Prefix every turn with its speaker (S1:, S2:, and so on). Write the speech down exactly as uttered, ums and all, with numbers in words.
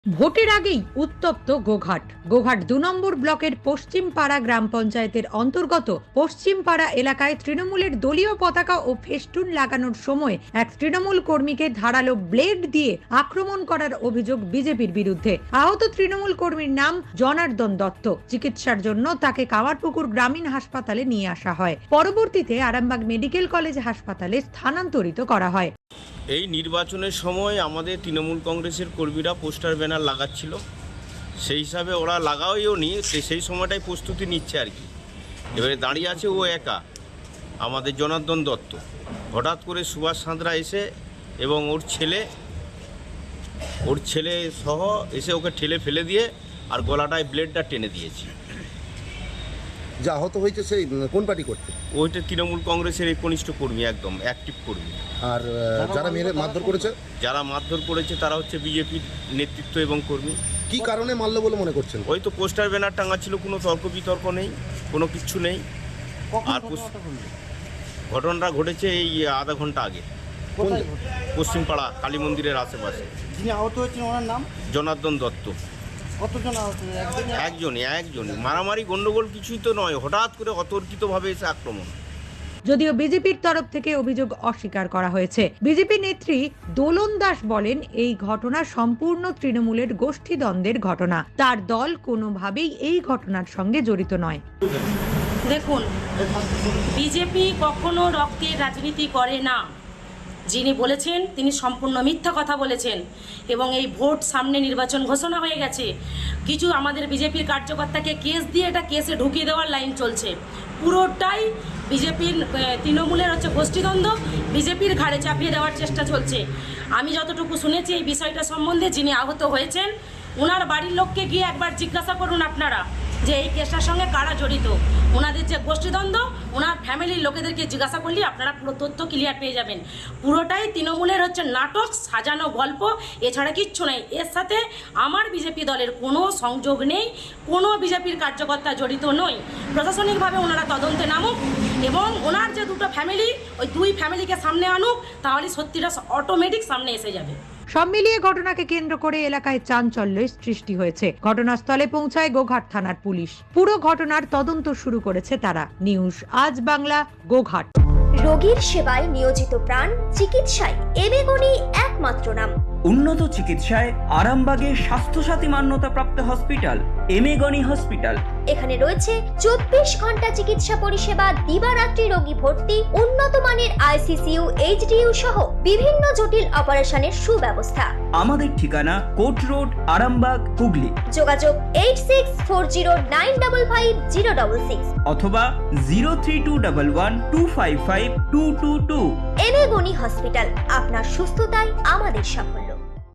S1: ভোটের আগেই উত্তপ্ত গোঘাট। গোঘাট দু নম্বর ব্লকের পশ্চিমপাড়া গ্রাম পঞ্চায়েতের অন্তর্গত পশ্চিমপাড়া এলাকায় তৃণমূলের দলীয় পতাকা ও ফেস্টুন লাগানোর সময় এক তৃণমূল কর্মীকে ধারালো ব্লেড দিয়ে আক্রমণ করার অভিযোগ বিজেপির বিরুদ্ধে। আহত তৃণমূল কর্মীর নাম জনার্দন দত্ত। চিকিৎসার জন্য তাকে কামারপুকুর গ্রামীণ হাসপাতালে নিয়ে আসা হয়। পরবর্তীতে আরামবাগ মেডিকেল কলেজ হাসপাতালে স্থানান্তরিত করা হয়।
S2: এই নির্বাচনের সময় আমাদের তৃণমূল কংগ্রেসের কর্মীরা পোস্টার ব্যানার লাগাচ্ছিল, সেই হিসাবে ওরা লাগাওও নি, সেই সময়টাই প্রস্তুতি নিচ্ছে আর কি। এবারে দাঁড়িয়ে আছে ও একা, আমাদের জনার্দন দত্ত। হঠাৎ করে সুভাষ সাঁতরা এসে এবং ওর ছেলে ওর ছেলে সহ এসে ওকে ঠেলে ফেলে দিয়ে আর গলাটায় ব্লেডটা টেনে দিয়েছে।
S3: যা আহত হয়েছে সেই কোন পার্টি করতে?
S2: ওইটা তৃণমূল কংগ্রেসের এই কনিষ্ঠ কর্মী, একদম অ্যাক্টিভ কর্মী।
S3: আর যারা মেরে মারধর করেছে
S2: যারা মারধর করেছে তারা হচ্ছে বিজেপির নেতৃত্ব এবং কর্মী।
S3: কি কারণে মারলো বলে মনে করছেন?
S2: ওই তো পোস্টার ব্যানার টাঙা ছিল, কোনো তর্ক বিতর্ক নেই, কোনো কিচ্ছু নেই। আর ঘটনাটা ঘটেছে এই আধা ঘন্টা আগে, পশ্চিমপাড়া কালী মন্দিরের আশেপাশে।
S4: যিনি আহত হয়েছেন ওনার নাম
S2: জনার্দন দত্ত।
S4: কতজন আহত?
S2: একজনই একজনই মারামারি গন্ডগোল কিছুই তো নয়, হঠাৎ করে অতর্কিতভাবে এসে আক্রমণ।
S1: যদিও বিজেপির তরফ থেকে অভিযোগ অস্বীকার করা হয়েছে। বিজেপি নেত্রী দোলন দাস বলেন, এই ঘটনা সম্পূর্ণ তৃণমূলের গোষ্ঠীদ্বন্দ্বের ঘটনা। তার দল কোনোভাবেই এই ঘটনার সঙ্গে জড়িত নয়।
S5: দেখুন, বিজেপি কখনো রক্তের রাজনীতি করে না। যিনি বলেছেন তিনি সম্পূর্ণ মিথ্যা কথা বলেছেন এবং এই ভোট সামনে নির্বাচন ঘোষণা হয়ে গেছে। কিছু আমাদের বিজেপির কার্যকর্তাকে কেস দিয়ে এটা কেসে ঢুকিয়ে দেওয়ার লাইন চলছে। পুরোটাই বিজেপির তৃণমূলের হচ্ছে গোষ্ঠীদ্বন্দ্ব, বিজেপির ঘাড়ে চাপিয়ে দেওয়ার চেষ্টা চলছে। আমি যতটুকু শুনেছি এই বিষয়টা সম্বন্ধে, যিনি আহত হয়েছেন ওনার বাড়ির লোককে গিয়ে একবার জিজ্ঞাসা করুন আপনারা যে এই কেসটার সঙ্গে কারা জড়িত। ওনাদের যে গোষ্ঠীদ্বন্দ্ব, ওনার ফ্যামিলির লোকেদেরকে জিজ্ঞাসা করলে আপনারা পুরো তথ্য ক্লিয়ার পেয়ে যাবেন। পুরোটাই তৃণমূলের হচ্ছে নাটক, সাজানো গল্প, এছাড়া কিচ্ছু নেই। এর সাথে আমার বিজেপি দলের কোনো সংযোগ নেই, কোনো বিজেপির কার্যকর্তা জড়িত নয়। প্রশাসনিকভাবে ওনারা তদন্তে নামুক এবং ওনার যে দুটো ফ্যামিলি, ওই দুই ফ্যামিলিকে সামনে আনুক, তাহলে সত্যিটা অটোমেটিক সামনে এসে যাবে।
S1: সব মিলিয়ে ঘটনাকে কেন্দ্র করে এলাকায় চাঞ্চল্যের সৃষ্টি হয়েছে। ঘটনাস্থলে পৌঁছায় গোঘাট থানার পুলিশ। পুরো ঘটনার তদন্ত শুরু করেছে তারা। নিউজ আজ বাংলা, গোঘাট।
S6: রোগীর সেবায় নিয়োজিত প্রাণ, চিকিৎসায় এবেগুনি একমাত্র নাম।
S7: উন্নত চিকিৎসায় আরামবাগে স্বাস্থ্যসাথী মান্যতাপ্রাপ্ত হসপিটাল এমেগনি হসপিটাল।
S6: এখানে রয়েছে চব্বিশ ঘন্টা চিকিৎসা পরিষেবা, দিবারাত্রি রোগী ভর্তি, উন্নত মানের আইসিসিইউ, এইচডিইউ সহ বিভিন্ন জটিল অপারেশনের সুব্যবস্থা।
S7: আমাদের ঠিকানা কোট রোড, আরামবাগ, হুগলি।
S6: যোগাযোগ eight six four zero nine double five zero double six
S7: অথবা zero three two double one two five five two two two.
S6: এবেগুনি হসপিটাল, আপনার সুস্থতাই আমাদের সাফল্য।